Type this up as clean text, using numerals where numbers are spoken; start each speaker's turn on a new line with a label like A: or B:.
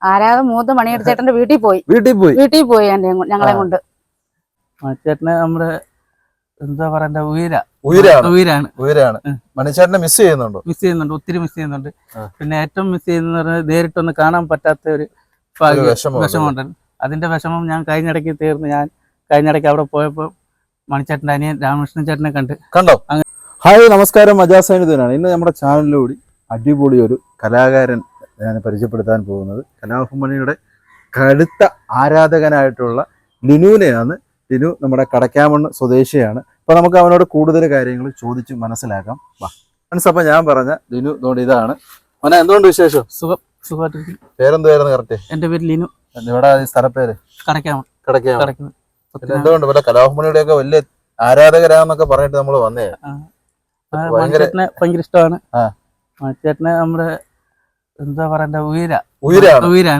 A: ആരാധന മൂത്ത മണിയടിച്ചേട്ടന്റെ വീട്ടിൽ പോയി ഞങ്ങളെ കൊണ്ട്.
B: ചേട്ടനെ നമ്മുടെ എന്താ പറയണ്ട ഉയരാണ്.
C: മണിച്ചേട്ടനെ മിസ് ചെയ്യുന്നുണ്ടോ?
B: ഒത്തിരി മിസ് ചെയ്യുന്നുണ്ട്. പിന്നെ ഏറ്റവും മിസ് ചെയ്യുന്ന പറഞ്ഞാൽ നേരിട്ടൊന്ന് കാണാൻ പറ്റാത്ത ഒരു വിഷമമുണ്ട്. അതിന്റെ വിഷമം ഞാൻ കഴിഞ്ഞിടയ്ക്ക് തീർന്ന്. ഞാൻ കഴിഞ്ഞിടയ്ക്ക് അവിടെ പോയപ്പോൾ മണിച്ചേട്ടൻ്റെ അനിയൻ രാമകൃഷ്ണൻ ചേട്ടനെ കണ്ടോ?
C: ഹായ്, നമസ്കാരം. അജാസൈനുദ്ദീനാണ്. ഇന്ന് നമ്മുടെ ചാനലിലൂടെ അടിപൊളി ഒരു കലാകാരൻ ഞാൻ പരിചയപ്പെടുത്താൻ പോകുന്നത്. കലാഭവൻ കടുത്ത ആരാധകനായിട്ടുള്ള ലിനുവിനെയാണ്. ലിനു നമ്മുടെ കടക്കാമണ്ണ് സ്വദേശിയാണ്. അപ്പോൾ നമുക്ക് അവനോട് കൂടുതൽ കാര്യങ്ങൾ ചോദിച്ച് മനസ്സിലാക്കാം. ഫ്രണ്ട്സ്, അപ്പം ഞാൻ പറഞ്ഞ ലിനു ഇതാണ്. അവനെ എന്തുകൊണ്ട് വിശേഷം?
B: സുഖമായിട്ടിരിക്കും.
C: പേരെന്തുവായിരുന്നു കറക്റ്റ്?
B: എൻ്റെ പേര് ലിനു.
C: ഇവിടെ സ്ഥലപ്പേര്
B: കടക്കാമണ്ണ്.
C: എന്തുകൊണ്ട് ഇവിടെ കലാഭവനിയുടെ ഒക്കെ വലിയ ആരാധകരാന്നൊക്കെ പറഞ്ഞിട്ട് നമ്മൾ വന്നേ?
B: ഭയങ്കര ഇഷ്ടമാണ്. ചേട്ടനെ നമ്മുടെ എന്താ പറയണ്ട ഉയരാണ്.